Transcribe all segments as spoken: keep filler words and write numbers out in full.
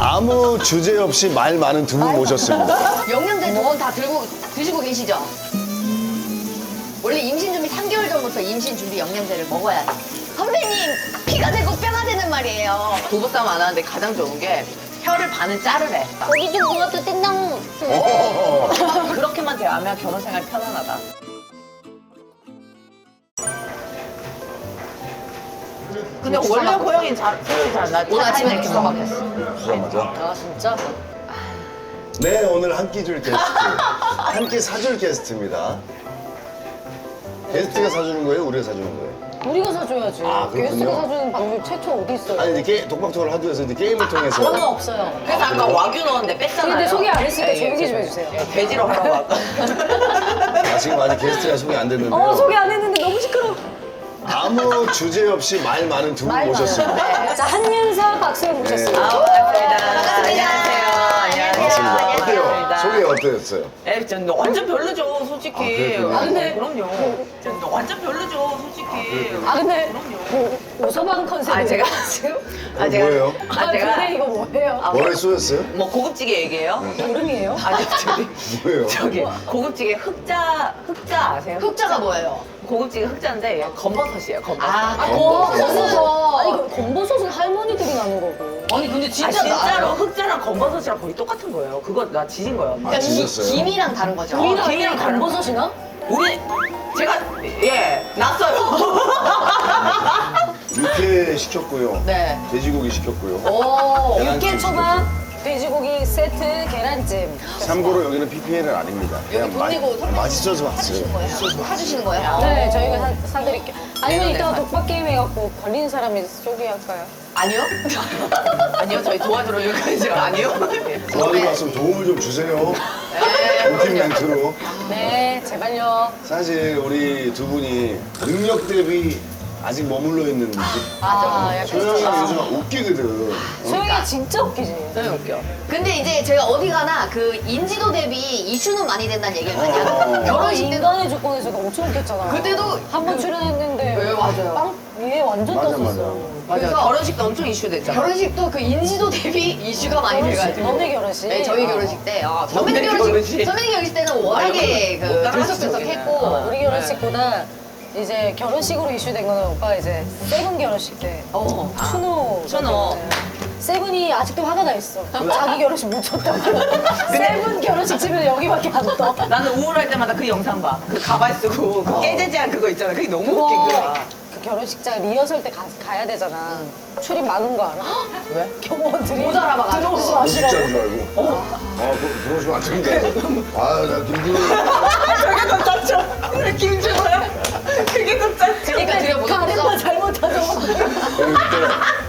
아무 주제 없이 말 많은 두 분 모셨습니다. 영양제 두 번 다 들고 드시고 계시죠? 원래 임신 준비 삼 개월 전부터 임신 준비 영양제를 먹어야 돼. 선배님 피가 되고 뼈가 되는 말이에요. 부부싸움 안 하는데 가장 좋은 게 혀를 반은 자르래. 거기 좀 뭐가 또 땡당. 그렇게만 대하면 결혼 생활 편안하다. 근데 원래 호영이 잘, 소리 잘 나. 오늘 아침에 이렇게 먹었어. 그거 맞아? 아 진짜? 네, 오늘 한 끼 줄 게스트. 한 끼 사줄 게스트입니다. 게스트가 사주는 거예요? 우리가 사주는 거예요? 우리가 사줘야지. 아, 그렇군요. 게스트가 사주는 방법 최초 어디 있어요? 아니, 이제 게, 독박토를 하도 해서 이제 게임을 통해서. 그런 거 없어요. 그래서 아까 와규 넣었는데 뺐잖아요. 근데 소개 안 했으니까 예, 조용히 예, 좀 해주세요. 예, 돼지로 하라고 아까. 아, 지금 아직 게스트가 소개 안 됐는데요. 어, 소개 안 했는데 너무 시끄러워. 아무 주제 없이 말 많은 두 분 모셨습니다. 자, 한윤서 박수영 모셨습니다. 아, 반갑습니다. 반갑습니다. 안녕하세요. 반갑습니다. 어때요? 반갑습니다. 소개 어떠셨어요? 에, 전 완전 별로죠, 솔직히. 아, 그랬군요. 아, 근데 그럼요. 전 완전 별로죠, 솔직히. 아, 근데 그럼요. 뭐, 오서방 컨셉. 아, 제가 지금. 그거 뭐예요? 아, 아, 제가. 근데 이거 뭐예요? 아, 머리 쏘였어요? 뭐 고급지게 얘기해요? 여름이에요? 아니, 저기. 뭐예요? 저기 고급지게 흑자 흑자 아세요? 흑자가 뭐예요? 고급지게 흑자인데 얘 검버섯이에요. 검버섯. 아, 아, 검버섯은. 아니, 그럼 검버섯은 할머니들이 나는 거고. 아니 근데 아, 진짜 진짜로 나요. 흑자랑 검버섯이랑 거의 똑같은 거예요. 그거 나 지진 거예요. 아, 그러니까 이 진짜어요? 김이랑 다른 거죠. 우리랑 우리나라에 다른 검버섯이나? 우리 제가 예 났어요. 육회 시켰고요. 네. 돼지고기 시켰고요. 오. 육개 초밥, 돼지고기 세트, 계란찜. 참고로 여기는 피피엘은 아닙니다. 그냥 돈 마- 내고 선배님 맛있어서 사주시는 왔어요. 거예요? 사주시는 거예요? 네, 저희가 사, 사드릴게요. 아니면 네, 이따가 네. 독박 게임 해갖고 걸린 사람이 소개할까요? 아니요? 아니요 저희 도와주러 여기까지 아니요. 도와주러 왔으면 도움을 좀 주세요. 인팀 멘트로. 네, 제발요. 사실 우리 두 분이 능력 대비 아직 머물러 있는 느낌. 맞아. 약간 소영이가 요즘 웃기거든. 소영이가 진짜 웃기지. 너무 웃겨. 근데 이제 제가 어디 가나 그 인지도 대비 이슈는 많이 된다는 얘기를 많이 어. 하거든요. 결혼식 때도 인간의 조건에서도 엄청 웃겼잖아. 그때도 한 번 출연했는데 네, 맞아요. 빵 위에 완전 맞아, 떴었어. 맞아. 맞아. 그래서- 결혼식도 엄청 이슈됐잖아. 결혼식도 그 인지도 대비 이슈가 많이 결혼식, 돼가지고. 너네 결혼식. 네, 저희 어. 결혼식 때. 아, 선배님 너네 결혼식, 결혼식. 선배님 결혼식 때는 워낙에 못 그 따라하시죠, 들썩들썩했고. 우리는. 우리 결혼식보다 이제 결혼식으로 이슈된 거는 오빠 이제 세븐 결혼식 때 어. 추노 추노. 세븐이 아직도 화가 나 있어. 자기 결혼식 못 쳤다고. 세븐 결혼식 치면 여기밖에 안 떠. 나는 우울할 때마다 그 영상 봐. 그 가발 쓰고 그 깨재재한 그거 있잖아. 그게 너무 웃긴 거야. 그 결혼식장 리허설 때 가, 가야 되잖아. 출입 많은 거 알아? 왜? 경호원들이 못 알아봐가지고. 들어오지 진짜인 마시라고. 줄 알고. 아, 그, 들어오시면 안 됩니다. 아, 나 김준호. 저게 더 짰죠. 왜 김준호야? 그게 더 짰죠. 그러니까 드려 보자. 가래만 잘못하죠. 여기 그때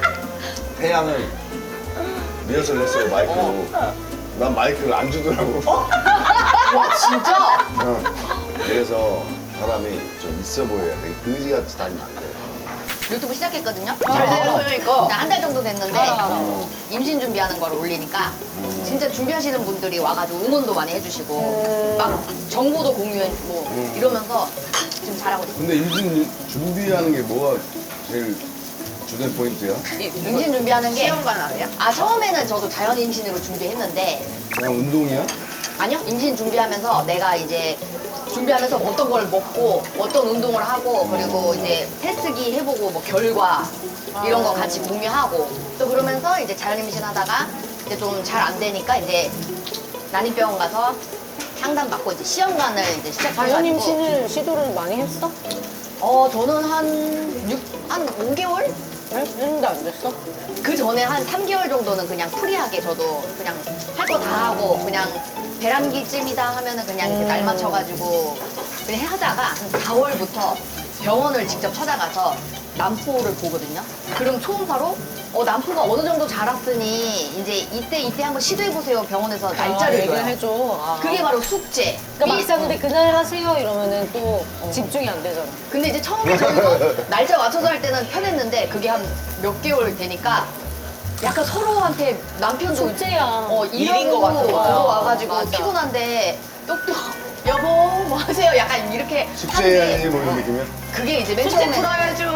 태양을 리허설 했어요, 마이크로. 난 마이크를 안 주더라고. 와, 진짜? 어. 그래서 사람이 좀 있어 보여야 돼. 그지같이 다니면 안 돼. 유튜브 시작했거든요. 잘 되는 소영이 거. 한 달 정도 됐는데 임신 준비하는 걸 올리니까 진짜 준비하시는 분들이 와가지고 응원도 많이 해주시고 막 정보도 공유해주고 이러면서 지금 잘하고 있어요. 근데 임신 준비하는 게 뭐가 제일 주된 포인트야? 임신 준비하는 게 시험관 아니야? 아 처음에는 저도 자연 임신으로 준비했는데 그냥 운동이야? 아니요 임신 준비하면서 내가 이제 준비하면서 어떤 걸 먹고 어떤 운동을 하고 그리고 이제 테스트기 해보고 뭐 결과 이런 거 같이 공유하고 또 그러면서 이제 자연 임신하다가 이제 좀 잘 안 되니까 이제 난임병원 가서 상담 받고 이제 시험관을 이제 시작해가지고 자연 임신을 시도를 많이 했어? 어 저는 한 육, 한 오 개월? 네? 했는데 안 됐어? 그 전에 한 삼 개월 정도는 그냥 프리하게 저도 그냥 할 거 다 하고 그냥 배란기쯤이다 하면은 그냥 이렇게 날 맞춰가지고 그냥 하다가 한 사월부터 병원을 직접 찾아가서 난포를 보거든요. 그럼 초음파로 어 난포가 어느 정도 자랐으니 이제 이때 이때 한번 시도해보세요 병원에서 날짜를 얘기를 줘요. 해줘. 아. 그게 바로 숙제. 그러니까 미- 막상 근데 그날 하세요 이러면은 또 집중이 안 되잖아. 근데 이제 처음에 저희도 날짜 맞춰서 할 때는 편했는데 그게 한 몇 개월 되니까 약간 서로한테 남편도 숙제야. 어, 일인 것 같은 거야. 들어와가지고 맞아. 피곤한데 똑똑 여보 뭐 하세요? 약간 이렇게 숙제해야지 하는데 뭐 이런 느낌이야? 그게 이제 맨 숙제 처음에 풀어야죠.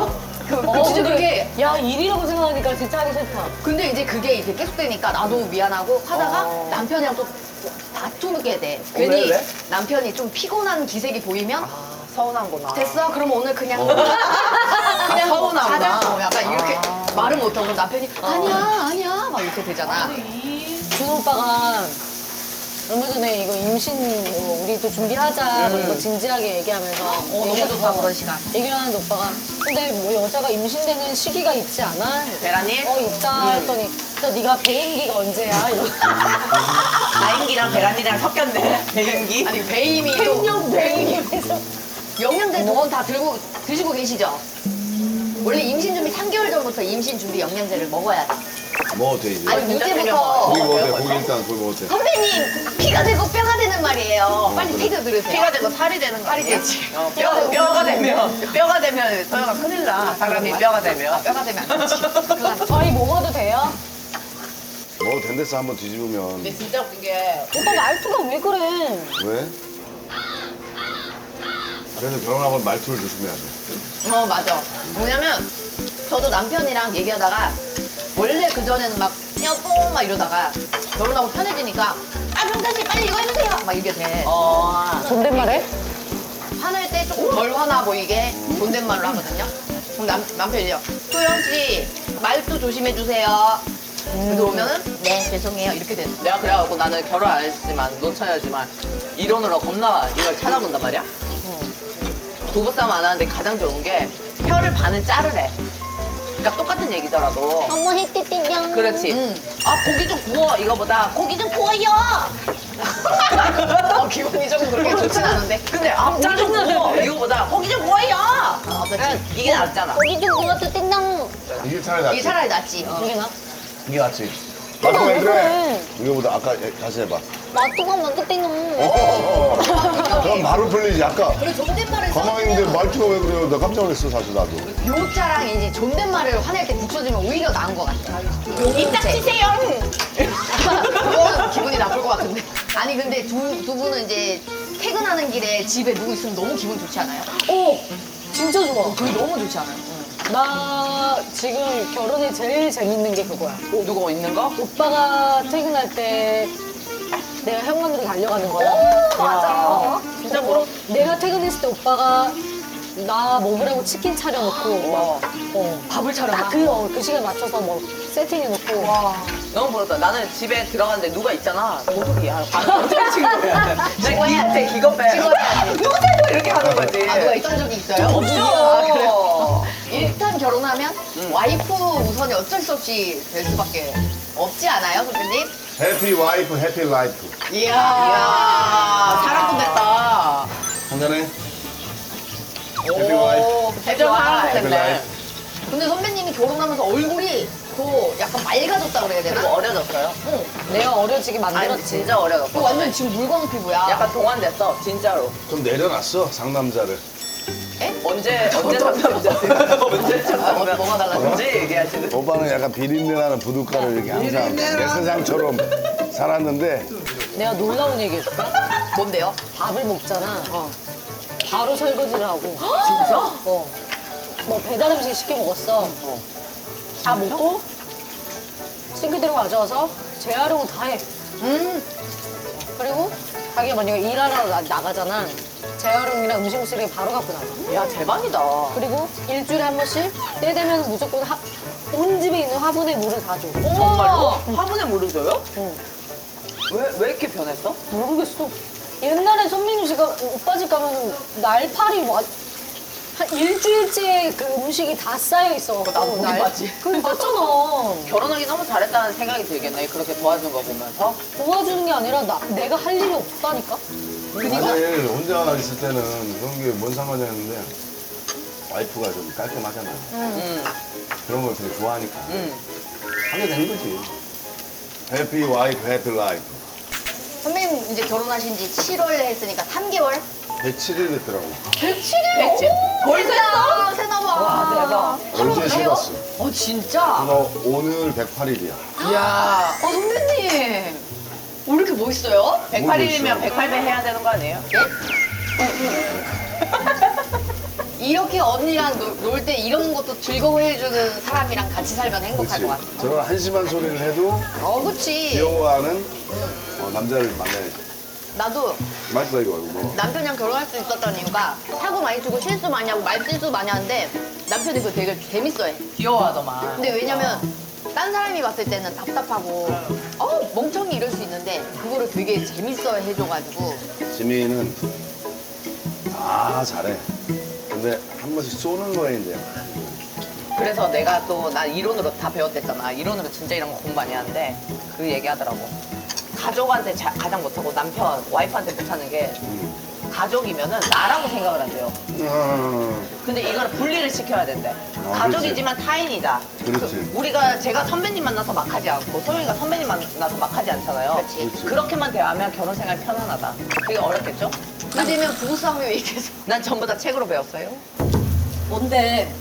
그, 그 어, 진짜 근데- 그게 야 일이라고 생각하니까 진짜 하기 싫다. 근데 이제 그게 이제 계속되니까 나도 미안하고 하다가 어. 남편이랑 또 다투게 돼. 왜, 괜히 왜? 남편이 좀 피곤한 기색이 보이면 아, 서운한구나. 됐어? 그럼 오늘 그냥 그냥 아, 서운하구나. 가자. 어, 약간 이렇게 아. 말을 못하고 그럼 남편이 아니야 아니야 막 이렇게 되잖아. 준호 오빠가 얼마 전에 이거 임신 뭐 우리도 준비하자 뭐 이거 진지하게 얘기하면서 어, 너무 좋다 그런 시간. 얘기를 하는데 오빠가 근데 뭐 여자가 임신되는 시기가 있지 않아? 베라님? 어 있다 했더니 또 네가 배임기가 언제야? 이러 나인기랑 베란이랑 섞였네. 배경기. 아니 배임이 또 횡령 배임기에서 영양제 두 번 다 들고 드시고 계시죠? 원래 임신 준비 삼 개월 전부터 임신 준비 영양제를 먹어야 돼. 먹어도 돼, 이제. 아니 진짜 이제부터 고기 어, 먹어도 돼, 배워봐요. 고기 일단 고기 먹어도 돼. 선배님 피가 되고 뼈가 되는 말이에요. 빨리 그래. 태교 들으세요. 피가 되고 살이 되는 거 살이 아니야? 되지. 어, 뼈, 뼈가 되면 뼈가 되면 서영아 큰일 나. 사람이 뼈가 되면. 뼈가 되면 안 되지. 큰일 나지. 저희 먹어도 돼요? 먹어도 된댔어, 한번 뒤집으면. 근데 진짜 웃긴 게 오빠 말투가 왜 그래? 왜? 그래서 결혼하고 말투를 조심해야 돼. 어 맞아. 뭐냐면 저도 남편이랑 얘기하다가 원래 그 전에는 막 여보 막 이러다가 결혼하고 편해지니까 아 명단 씨 빨리 이거 해주세요 막 이게 돼. 어. 존댓말해? 화낼 때 조금 덜 화나 보이게 존댓말로 하거든요. 그럼 남, 남편이요. 소영 씨 말투 조심해 주세요. 그래서 오면은 네 죄송해요 이렇게 돼. 내가 그래갖고 나는 결혼 안 했지만 놓쳐야지만 이론으로 겁나 이걸 찾아본단 말이야. 부부싸움 안 하는데 가장 좋은 게 혀를 반은 자르래. 그러니까 똑같은 얘기더라도. 어머 햇띠띠냥. 그렇지. 음. 아 고기 좀 구워 이거보다 고기 좀 구워요. 어, 기분이 조금 그렇게 좋진 않은데. 근데 아 고기 좀 구워 이거보다 고기 좀 구워요. 어, 그렇지. 이게 낫잖아. 고기 좀 구워도 띵당. 이게 차라리 낫지. 이게 차라리 낫지. 어. 이게 나? 이게 낫지. 말투 왜 그래? 이거보다 아까 예, 다시 해봐. 맛두가 맛도 띵당. 어, 그럼 바로 풀리지. 아까 그리고 존댓말을 가만히 있는데 말투가 왜 그래요? 나 깜짝 놀랐어, 사실 나도. 요자랑 이제 존댓말을 화낼 때 붙여주면 오히려 나은 것 같아. 입 닥치세요. 그거는 기분이 나쁠 것 같은데. 아니 근데 두, 두 분은 이제 퇴근하는 길에 집에 누구 있으면 너무 기분 좋지 않아요? 오 진짜 좋아. 그게 너무 좋지 않아요? 나 지금 결혼에 제일 재밌는 게 그거야. 누구 있는 거? 오빠가 퇴근할 때 내가 현관으로 달려가는 거야. 맞아. 진짜 부러. 내가 퇴근했을 때 오빠가 나 먹으라고 치킨 차려놓고 와. 막, 어, 밥을 차려놔? 딱그 어, 그 시간 맞춰서 뭐 세팅해놓고 와. 너무 부럽다. 나는 집에 들어갔는데 누가 있잖아. 모르기야. 어떻게 친구야. 내가 기한테 기겁해. 찍어야지. 누구세요? 이렇게 하는 거지. 아 누가 있던 적이 있어요? 없죠. 아, 그래요? 일단 결혼하면 와이프 우선이 어쩔 수 없이 될 수밖에 없지 않아요, 선생님? 해피 와이프, 해피 라이프. 이야. 이야, 사랑꾼 됐다. 한잔해. 해피 와이프. 해적 사랑꾼 해피 됐네. 라이프. 근데 선배님이 결혼하면서 얼굴이 더 약간 맑아졌다 그래야 그리고 되나? 어려졌어요. 응. 내가 어려지게 아니, 만들었지. 진짜 그 어려졌어. 완전 지금 물광 피부야. 약간 동안됐어, 진짜로. 좀 내려놨어, 상남자를. 언제, 언제 상담자? 언제 상담자? 아, 뭐가 달라졌어? 언제 얘기하시는? 오빠는 약간 비린내나는 부둣가를 이렇게 항상 내 세상처럼 살았는데 내가 놀라운 얘기 해줄까? 뭔데요? 밥을 먹잖아. 바로 설거지를 하고. 진짜? 어. 뭐 배달 음식 시켜 먹었어. 다 먹고 싱크대로 가져와서 재활용을 다 해. 음. 그리고 자기가 만약에 일하러 나, 나가잖아. 재활용이랑 음식물쓰레기 바로 갖고 나가. 야, 대박이다. 그리고 일주일에 한 번씩 때 되면 무조건 하, 온 집에 있는 화분에 물을 다 줘. 정말로? 화분에 물을 줘요? 응. 왜, 왜 이렇게 변했어? 모르겠어. 옛날에 손민우 씨가 오빠 집 가면 날파리 와, 한 일주일째 그 음식이 다 쌓여 있어. 나도 보긴 봤지. 그거 봤잖아. 결혼하기 너무 잘했다는 생각이 들겠네. 그렇게 도와준 거 보면서. 도와주는 게 아니라 나, 내가 할 일이 없다니까? 사실 혼자 있을 때는 그런 게 뭔 상관이 없는데 와이프가 좀 깔끔하잖아. 음, 그런 걸 되게 좋아하니까 음. 하게 되는 거지. 해피 와이프, 해피 라이프. 선배님 이제 결혼하신 지 칠월에 했으니까 삼 개월? 백칠 일 됐더라고. 백칠 일? 백칠? 벌써 했어? 세나봐. 와, 대박. 어제 세봤어. 어, 진짜? 그래서 오늘 백팔 일이야. 이야. 어, 선배님. 왜 이렇게 멋있어요? 백팔 일이면 모르겠어. 백팔 배 해야 되는 거 아니에요? 이렇게 언니랑 놀 때 이런 것도 즐거워해주는 사람이랑 같이 살면 행복할 그렇지. 것 같아. 저런 한심한 소리를 해도 어, 그치. 귀여워하는 어, 남자를 만나야지. 나도 맛있다 이거 이거. 남편이랑 결혼할 수 있었던 이유가 사고 많이 치고 실수 많이 하고 말실수 많이 하는데 남편이 그거 되게 재밌어해. 귀여워하더만. 근데 왜냐면 딴 사람이 봤을 때는 답답하고 어 멍청이 이럴 수 있는데 그거를 되게 재밌어 해줘가지고 지민이는 아 잘해. 근데 한 번씩 쏘는 거에 이제 그래서 내가 또 나 이론으로 다 배웠댔잖아. 이론으로 진짜 이런 거 공부 많이 하는데 그 얘기하더라고. 가족한테 자- 가장 못하고 남편, 와이프한테 못하는 게 음. 가족이면은 나라고 생각을 한대요. 음. 근데 이거는 분리를 시켜야 된대. 아, 가족이지만 타인이다. 그렇지. 그 우리가 제가 선배님 만나서 막 하지 않고 소영이가 선배님 만나서 막 하지 않잖아요. 그렇지. 그렇지. 그렇게만 대하면 결혼 생활 편안하다. 되게 어렵겠죠? 그러면 부부싸움이 왜 계속 난 전부 다 책으로 배웠어요. 뭔데?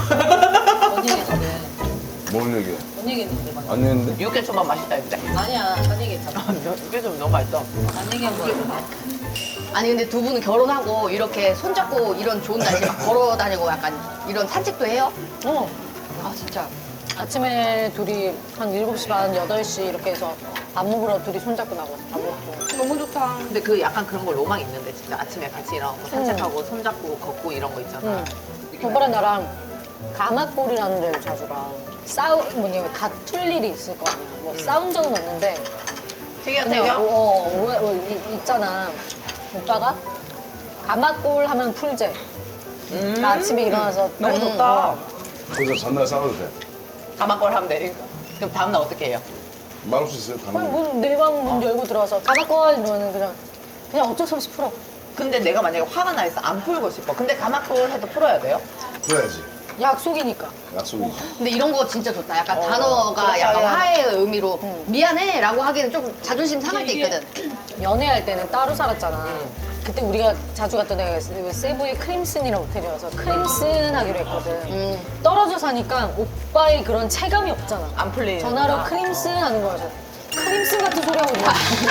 뭔 얘기했는데? 뭔 얘기야? 뭔 얘기했는데? 막. 안 했는데? 육개초밥 맛있다 했대. 아니야, 딴 얘기했잖아. 육개초밥 너무 맛있어. 딴 얘기한 거야. 아니 근데 두 분은 결혼하고 이렇게 손잡고 이런 좋은 날씨에 막 걸어 다니고 약간 이런 산책도 해요? 어. 아 진짜 아침에 둘이 한 일곱 시 반, 여덟 시 이렇게 해서 밥 먹으러 둘이 손잡고 나가서 밥 먹고. 너무 좋다. 근데 그 약간 그런 거 로망 있는데 진짜 아침에 같이 일어나고 산책하고 손잡고 걷고 이런 거 있잖아. 응. 오빠랑 나랑 가마골이라는 데를 자주 가. 싸우, 뭐냐, 다툴 일이 있을 거 아니야. 뭐 싸운 적은 없는데. 되게 근데 되게 어, 어, 왜, 왜, 이- 있잖아. 오빠가 가마골 하면 풀재. 음. 나 아침에 일어나서 너무 음, 좋다. 어. 그래서 전날 싸워도 돼. 가마골 하면 돼. 그럼 다음날 어떻게 해요? 말할 수 있어요? 아니, 다른 문, 내 방 문 열고 들어와서 가마골 이러면 그냥, 그냥 어쩔 수 없이 풀어. 근데 내가 만약에 화가 나 있어 안 풀고 싶어. 근데 가마골 해도 풀어야 돼요? 풀어야지. 약속이니까. 약속이지. 근데 이런 거 진짜 좋다. 약간 어, 단어가 그렇다, 약간 야. 화해의 의미로 응. 미안해라고 하기는 좀 자존심 상할 때 있거든. 연애할 때는 따로 살았잖아. 그때 우리가 자주 갔던 데가 세부의 크림슨이라는 호텔이어서 크림슨 하기로 했거든. 음. 떨어져 사니까 오빠의 그런 체감이 없잖아. 안 풀리는. 전화로 크림슨 하는 거야. 그래서 크림슨 같은 소리 하고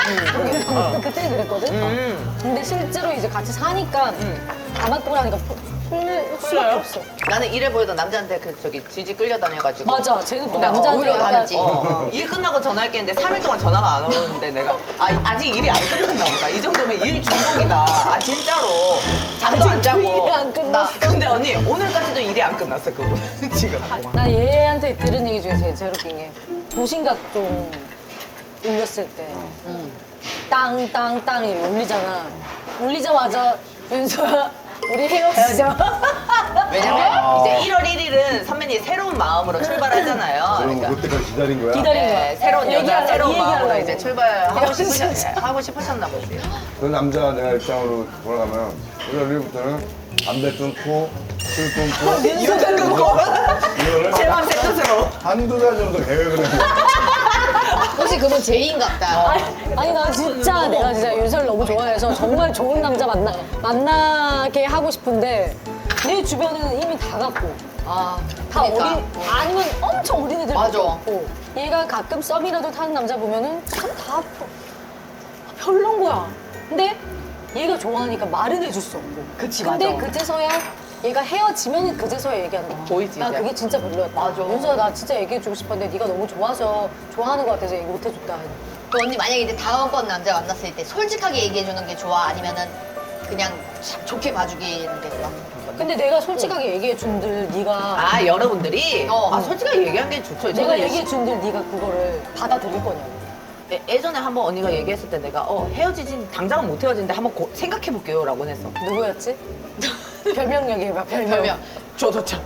있는 그때 그랬거든. 음. 근데 실제로 이제 같이 사니까 가마골 하니까 풀- 풀 수밖에 풀려요? 없어. 나는 이래 보이던 남자한테 그 저기 지지 끌려다녀가지고. 맞아. 쟤는 또 어, 남자한테 오히려 약간 다르지. 어, 일 끝나고 전화할게 했는데 삼 일 동안 전화가 안 오는데 내가 아, 아직 일이 안 끝났나 보다. 이 정도면 일 중독이다. 아 진짜로. 잠도 안 자고. 일이 안 끝났어. 나- 근데 언니 오늘까지도 일이 안 끝났어 그분 지금. 나 얘한테 들은 얘기 중에 제일, 제일 웃긴 게 도신각종 울렸을 때 땅땅땅 이렇게 울리잖아. 울리자마자 윤서야 우리 헤어지자. 왜냐면 이제 일월 일일은 선배님 새로운 마음으로 출발하잖아요. 그럼 그러니까 그때까지 기다린 거야? 기다린 거야. 네, 새로운 여자, 얘기하려고, 새로운 마음으로 얘기하려고. 이제 출발하고 싶으셨, 진짜. 하고 싶으셨나 보지. 그 남자가 내가 입장으로 돌아가면 일월 일일부터는 담배 끊고 술 끊고 이유는 그거. 이거를 제 맘 제 뜻으로. 한두 달 정도 계획을 해. 혹시 그분 제이인 같다. 아니, 아니 나 진짜 내가 진짜 윤서를 너무 좋아해서 정말 좋은 남자 만나 만나게 하고 싶은데 내 주변에는 이미 다 갖고 아, 다 그러니까. 어린 아니면 엄청 어린 애들 맞아. 갖고 얘가 가끔 썸이라도 타는 남자 보면은 참다 별론 거야. 근데 얘가 좋아하니까 말은 해줄 수 없고. 그치, 근데 맞아. 그제서야 얘가 헤어지면 그제서야 얘기한다. 보이지, 나 이제. 그게 진짜 별로였다. 맞아. 윤서야 나 진짜 얘기해주고 싶었는데 네가 너무 좋아서 좋아하는 것 같아서 얘기 못 해줬다. 그 언니 만약에 이제 다음번 남자 만났을 때 솔직하게 얘기해주는 게 좋아? 아니면은 그냥 참 좋게 봐주기는 게 좋아? 근데 내가 솔직하게 얘기해준들 네가 아 여러분들이 어. 아 솔직하게 얘기한 게 좋죠. 내가 저는 얘기해준들 네가 그거를 받아들일 거냐고. 예- 예전에 한번 언니가 얘기했을 때 내가 어 헤어지진 당장은 못 헤어지는데 한번 고- 생각해볼게요라고 했어. 누구였지? 별명 얘기해봐. 별명. 별명. 조조참.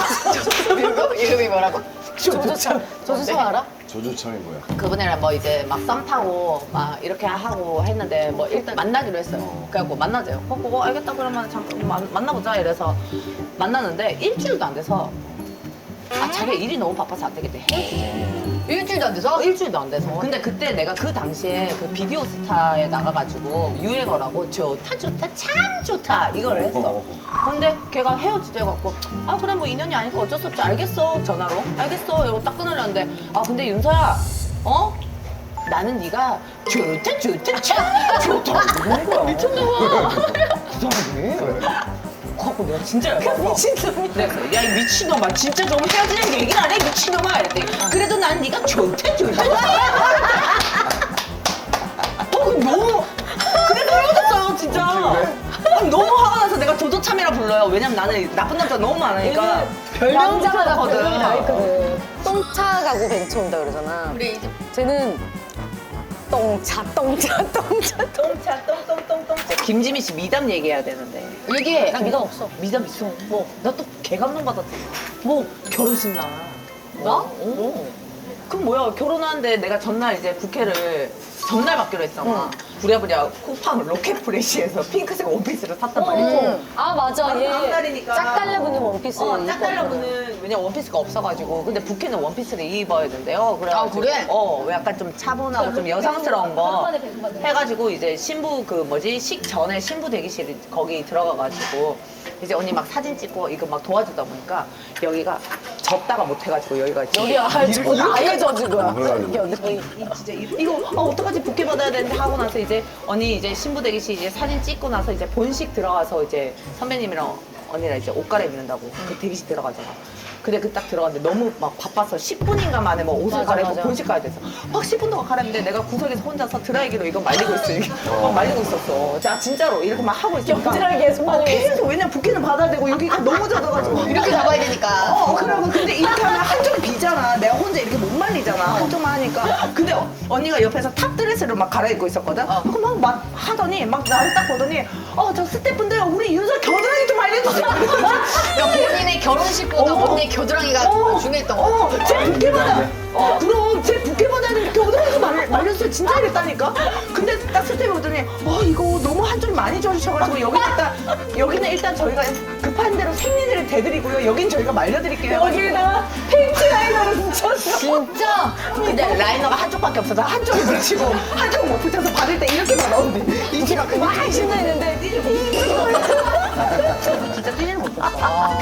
이름- 이름이 뭐라고? 조조참. 조조참 알아? 조조참이 뭐야? 그분이랑 뭐 이제 막 썸 타고 막 이렇게 하고 했는데 뭐 일단 만나기로 했어요. 그래갖고 만나재요. 어, 그거 알겠다 그러면 잠깐 만, 만나보자 이래서 만났는데 일주일도 안 돼서 아 자기 일이 너무 바빠서 안 되겠대. 헤어지재. 일주일도 안 돼서? 어, 일주일도 안 돼서. 근데 그때 내가 그 당시에 그 비디오 스타에 나가가지고 유행어라고 좋다 좋다 참 좋다 이걸 했어. 근데 걔가 헤어지자 해갖고 아 그래 뭐 인연이 아니까 어쩔 수 없지 알겠어 전화로 알겠어 이러고 딱 끊으려는데 아 근데 윤서야 어? 나는 네가 좋다 좋다 참 좋다 이러는 거야. 미쳤나봐. 갖고 내가 진짜 열받아. 미친놈이. 내가 그래, 야이 미친놈아 진짜 좀 헤어지는 얘기를 안 해 미친놈아 이랬더니 그래도 난 네가 좋대 좋다. 어 그 너무 그래서 헤어졌어요 진짜. 아니, 너무 화가 나서 내가 조조참이라 불러요. 왜냐면 나는 나쁜 남자 너무 많으니까 남자마다 별명이 별명이 다 있거든. 있거든. 똥차 가고 벤츠 온다 그러잖아. 우리 이제 쟤는 똥차, 똥차, 똥차, 똥. 똥차 똥똥똥똥. 김지미 씨 미담 얘기해야 되는데. 이게 나 미담 없어. 미담 있어. 뭐 나 또 개감동 받았어. 뭐 결혼식 날. 나? 어. 그럼 뭐야 결혼하는데 내가 전날 이제 부케를 전날 받기로 했잖아. 부랴부랴 쿠팡 로켓 프레시에서 핑크색 원피스를 샀단 말이지. 응. 아 맞아. 한 얘 달이니까. 짝 달라붙는 원피스. 어, 입고 짝 달라붙는 왜냐 원피스가 없어가지고 근데 부케는 원피스를 입어야 된대요. 아, 그래? 어 약간 좀 차분하고 좀 여성스러운 거 백반에 백반에. 해가지고 이제 신부 그 뭐지 식 전에 신부 대기실 거기 들어가가지고 이제 언니 막 사진 찍고 이거 막 도와주다 보니까 여기가 접다가 못해가지고 여기가 여기 아예 아예 젖은 거야. 그래가지고. 여기. 이 진짜 이- 이거 아, 어떡하지 부케 받아야 되는데 하고 나서 이제 언니 이제 신부 대기실 이제 사진 찍고 나서 이제 본식 들어가서 이제 선배님이랑 언니랑 이제 옷 갈아입는다고 그 대기실 들어가잖아. 근데 그 딱 들어갔는데 너무 막 바빠서 십 분인가 만에 뭐 옷을 맞아, 갈아입고 맞아. 본식 가야 돼서 막 십 분 동안 갈아입는데 내가 구석에서 혼자서 드라이기로 이거 말리고 있어. 이게 막 말리고 있었어. 자 진짜로 이렇게 막 하고 있으니까 드라이기에 손 어, 말리고 있어. 계속 왜냐면 부케는 받아야 되고 여기가 너무 젖어가지고 이렇게 잡아야 되니까. 어, 그러고 근데 이렇게 하면 한쪽이 비잖아. 내가 혼자 이렇게 못 말리잖아. 한쪽만 하니까. 근데 어, 언니가 옆에서 탑 드레스를 막 갈아입고 있었거든. 그럼 막, 막 하더니 막 나를 딱 보더니 어, 저 스태프분들 우리 윤서 겨드랑이 좀 알려주세요. 그러니까 본인의 결혼식보다 어. 언니의 겨드랑이가 중요했던 거. 어, 제 부케 받아. 어, 그럼 제 부케 받아야 겨드랑이 좀 말- 말려주세요. 진짜 이랬다니까. 근데 딱 스태프 보더니 어, 이거 너무 한쪽이 많이 젖으셔가지고 여기 일단 여기는 일단 저희가 급한 대로 생리대를 대드리고요. 여긴 저희가 말려드릴게요. 여기에다가 페인트 라이너를 붙였어. 진짜? 근데 라이너가 한쪽밖에 없어서 한쪽을 붙이고 한쪽은 못 붙여서 받을 때 이렇게 받아오는데 이치가 막 신나 있는데 진짜 뛰지는 못했어.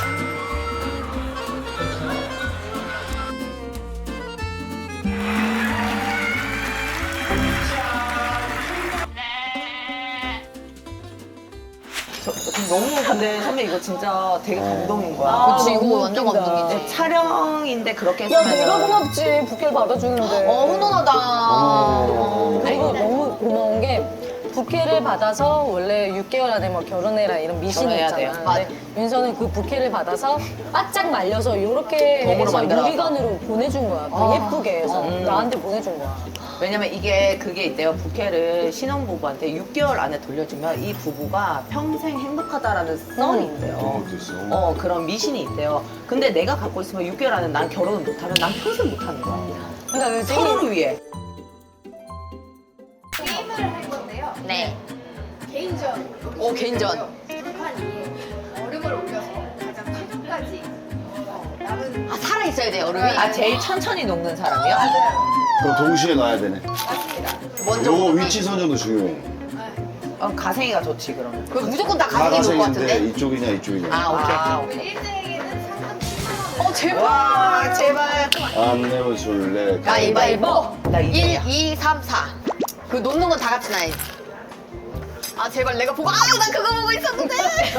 저, 저 너무 근데 선배 이거 진짜 되게 감동인 거야. 아, 그치, 이거 너무 완전 웃긴다. 감동이지. 네, 촬영인데 그렇게 야 했으면 내가 고맙지 부케를 받아주는데. 어, 훈훈하다. 그리고 너무 고마운 게 부케를 받아서 원래 육 개월 안에 뭐 결혼해라 이런 미신이 결혼해야 있잖아. 돼요. 근데 윤서는 그 부케를 받아서 바짝 말려서 이렇게 덤으로 해서 만들어서. 유리관으로 보내준 거야. 그 아. 예쁘게 해서 음. 나한테 보내준 거야. 왜냐면 이게 그게 있대요. 부케를 신혼부부한테 육 개월 안에 돌려주면 이 부부가 평생 행복하다라는 썰이 있대요. 그런 것도 있어. 어, 그런 미신이 있대요. 근데 내가 갖고 있으면 육 개월 안에 난 결혼을 못하면 난 평생 못하는 거야. 그러니까 요즘 서로를 위해. 게임을 할 건데요. 네. 개인전. 오, 개인전. 불판 위에 얼음을 올려서 가장 최종까지 어, 남은 아, 살아있어야 돼, 얼음이. 아, 제일 천천히 녹는 사람이요? 그럼 동시에 놔야 되네. 맞습니다. 먼저. 요거 얼음이. 위치 선정도 중요해. 어, 가생이가 좋지, 그러면. 그 무조건 다 가슴이 좋을 것 가생인데 같은데? 이쪽이냐 이쪽이냐. 아, 오케이. 아, 그 오케이. 일 등에게는 상금 십만 원. 어, 제발. 와, 제발. 안 내면 술래. 가위바위보. 나 이 일, 등이야. 이, 삼, 사. 그 놓는 건 다 같이 놔야지. 아, 제발 내가 보고, 아, 나 그거 보고 있었는데!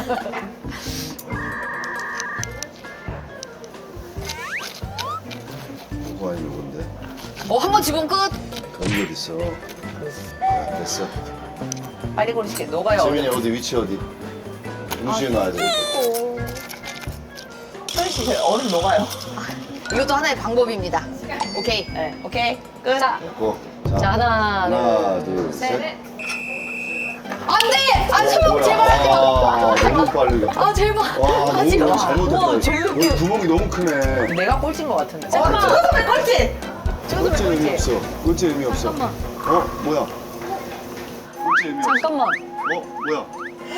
뭐가 아니고 뭔데? 어, 한 번 집으면 끝. 거기 어디 있어? 아, 됐어. 빨리 고르시게 녹아요. 재민이 어디 위치 어디? 동시에 놔야 돼. 소리 씨, 저 얼음 녹아요. 이것도 하나의 방법입니다. 오케이. 네, 오케이. 끝. 자, 됐고. 자, 자 하나, 하나, 둘, 셋. 셋. 안 돼! 아, 소영, 뭐야? 제발 하지 마. 아, 너무 빨리. 아, 제발. 와, 하지 너무 마. 잘못했다. 우와, 제일 여기 구멍이 너무 크네. 내가 꼴찌인 것 같은데. 잠깐만. 어, 찍어서 꼴찌! 찍어서 꼴찌 의미 꼴찌. 없어. 꼴찌 의미 없어. 잠깐만. 어, 뭐야? 꼴찌 의미 없어. 잠깐만. 어, 뭐야?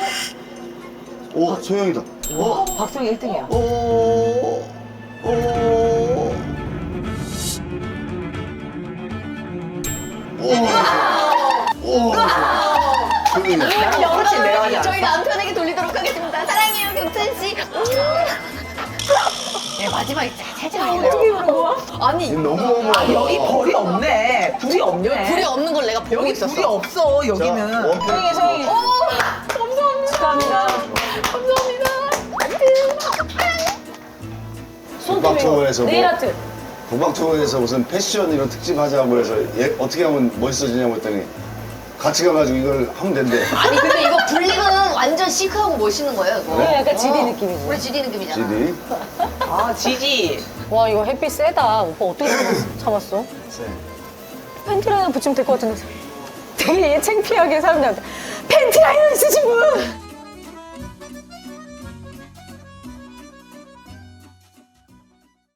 오, 소영이다. 어, 박성이 일 등이야. 오, 오, 오, 오. 소영이야. 나랑 꼴찌 내가 하지 저희 않았어? 남편에게 돌리도록 하겠습니다. 사랑해요, 경찬씨. 예, 마지막에 살짝 할게요. 어떻게 그런 거야? 아니, 너무 너무. 아, 여기 벌이 없네. 불이 없네. 불이 없는 걸 내가 보고 여기 있었어. 불이 없어, 여기는. 원필. 소영이 소영이. 오! 감사합니다. 축하합니다. 감사합니다. 북박투어에서 뭐 네일 아트. 북박투어에서 무슨 패션 이런 특집 하자고 해서 얘 어떻게 하면 멋있어지냐고 했더니 같이 가가지고 이걸 하면 된대. 아니 근데 이거 불리면 완전 시크하고 멋있는 거예요. 이거. 네, 약간 지디 어. 느낌이지. 우리 지디 느낌이잖아. 지디. 아, 지지. 와, 이거 햇빛 세다. 오빠 어떻게 참았어? 참았어? 팬티 라인 붙이면 될 것 같은데. 되게 창피하게 사람들한테 팬티 라인